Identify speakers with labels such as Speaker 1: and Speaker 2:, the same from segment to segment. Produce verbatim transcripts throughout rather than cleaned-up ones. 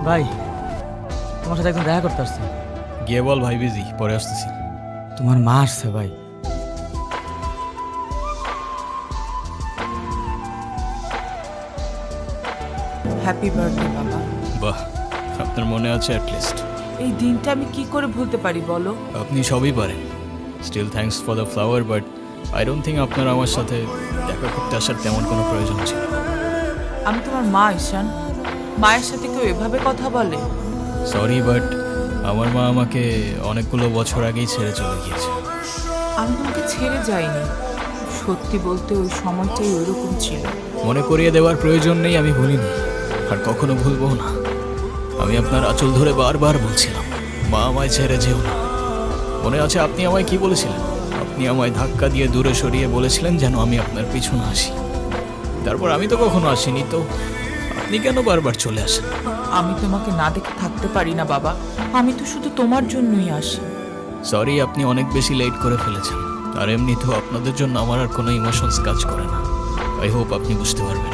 Speaker 1: ভাই, তোমার সাথে একদম দেখা করতে আসছে।
Speaker 2: গিয়ে বল ভাই বিজি, পরে আসতেছি।
Speaker 1: তোমার মা আসছে ভাই।
Speaker 3: হ্যাপি বার্থডে বাবা।
Speaker 2: বাহ, আপনার মনে আছে অ্যাটলিস্ট।
Speaker 3: এই দিনটা আমি কি করে ভুলতে পারি বলো?
Speaker 2: আপনি সবই পারেন। Still thanks for the flower, but I don't think আপনার আমার সাথে দেখা করতে আসার তেমন কোনো প্রয়োজন ছিল।
Speaker 3: আমি তোমার মা ঈশান, মায়ের সাথে কেউ এভাবে কথা বলে?
Speaker 2: সরি, বাট আমার মা আমাকে অনেকগুলো বছর আগেই ছেড়ে চলে গিয়েছে।
Speaker 3: আমি তোমাকে ছেড়ে যাইনি, সত্যি বলতে ওই সময়টাই ওইরকম ছিল।
Speaker 2: মনে করিয়ে দেওয়ার প্রয়োজন নেই, আমি ভুলিনি আর কখনো ভুলবো না। আমি আপনার আঁচল ধরে বারবার বলছিলাম, মা আমায় ছেড়ে যেও না। মনে আছে আপনি আমায় কি বলেছিলেন? আপনি আমায় ধাক্কা দিয়ে দূরে সরিয়ে বলেছিলেন যেন আমি আপনার পিছনে আসি। তারপর আমি তো কখনো আসিনি, তো আপনি কেন বারবার চলে আসেন?
Speaker 3: আমি তোমাকে না দেখে থাকতে পারি না বাবা, আমি তো শুধু তোমার জন্যই আসি।
Speaker 2: সরি, আপনি অনেক বেশি লেট করে ফেলেছেন। আর এমনিতেও আপনাদের জন্য আমার আর কোনো ইমোশনস কাজ করে না। আই হোপ আপনি বুঝতে পারবেন।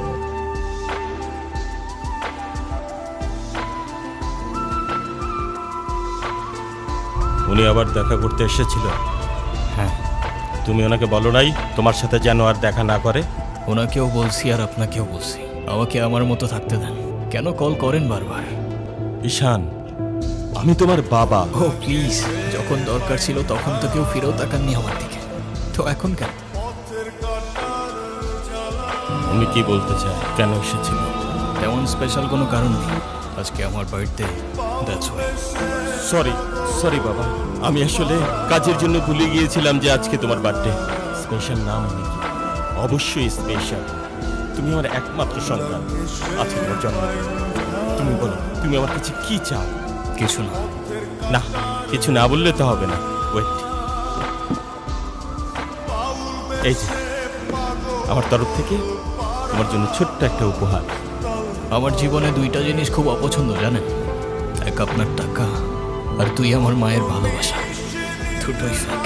Speaker 4: উনি আবার দেখা করতে এসেছিল?
Speaker 2: হ্যাঁ।
Speaker 4: তুমি ওনাকে বলো নাই তোমার সাথে যেন আর দেখা না করে?
Speaker 2: ওনাকেও বলছি আর আপনাকেও বলছি, আমাকে আমার মতো থাকতে দেন। কেন কল করেন বারবার?
Speaker 4: ঈশান, আমি তোমার বাবা।
Speaker 2: ও প্লিজ, যখন দরকার ছিল তখন তো কেউ ফিরেও তাকাননি আমার দিকে, তো এখন কেন?
Speaker 4: উনি কি বলতে চায়, কেন এসেছিল?
Speaker 2: তেমন স্পেশাল কোনো কারণ নেই, আজকে আমার birthday, that's why.
Speaker 4: Sorry sorry বাবা, আমি আসলে কাজের জন্য ভুলে গিয়েছিলাম যে আজকে তোমার বার্থডে। স্পেশাল নাম উনি কি? অবশ্যই স্পেশাল। তুমি আমার একমাত্র সন্তান। আজকে তোমার জন্মদিন, তুমি বলো তুমি আমার কাছে কি চাও?
Speaker 2: কিছু না।
Speaker 4: না, কিছু না বললে তো হবে না। ওয়েট, এই যে আমার তরফ থেকে তোমার জন্য ছোট্ট একটা উপহার।
Speaker 2: আমার জীবনে দুইটা জিনিস খুব অপছন্দ জানেন, এক আপনার টাকা আর তুই আমার মায়ের ভালোবাসা। দুটোই ফেক।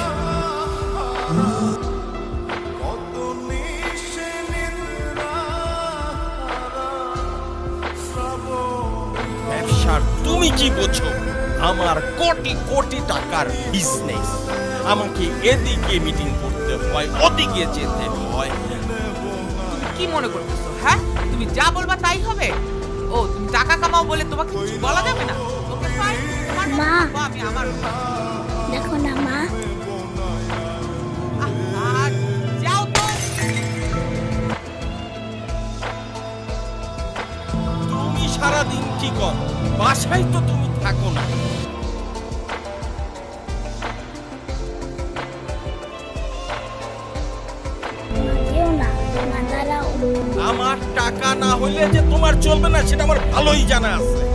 Speaker 4: ব্যবসার তুমি কি বোঝো? আমার কোটি কোটি টাকার বিজনেস, আমাকে এদিকে মিটিং করতে হয়, ওদিকে যেতে হয়।
Speaker 3: তুমি কি মনে করতেছো? হ্যাঁ, তুমি যা বলবা তাই হবে? ও, তুমি টাকা কামাও বলে তোমাকে কিছু বলা যাবে না? ওকে ফাইন, তোমার মতো
Speaker 5: মা।
Speaker 3: থাকবো, আমি আমার মতো।
Speaker 5: দেখো না মা,
Speaker 3: আহ, যাও তো।
Speaker 4: তুমি সারাদিন কি কর? বাসায় তো তুমি থাকো না।
Speaker 5: মা যেও না, মা দাঁড়াও।
Speaker 4: আমার টাকা না হইলে যে তোমার চলবে না সেটা আমার ভালোই জানা আছে।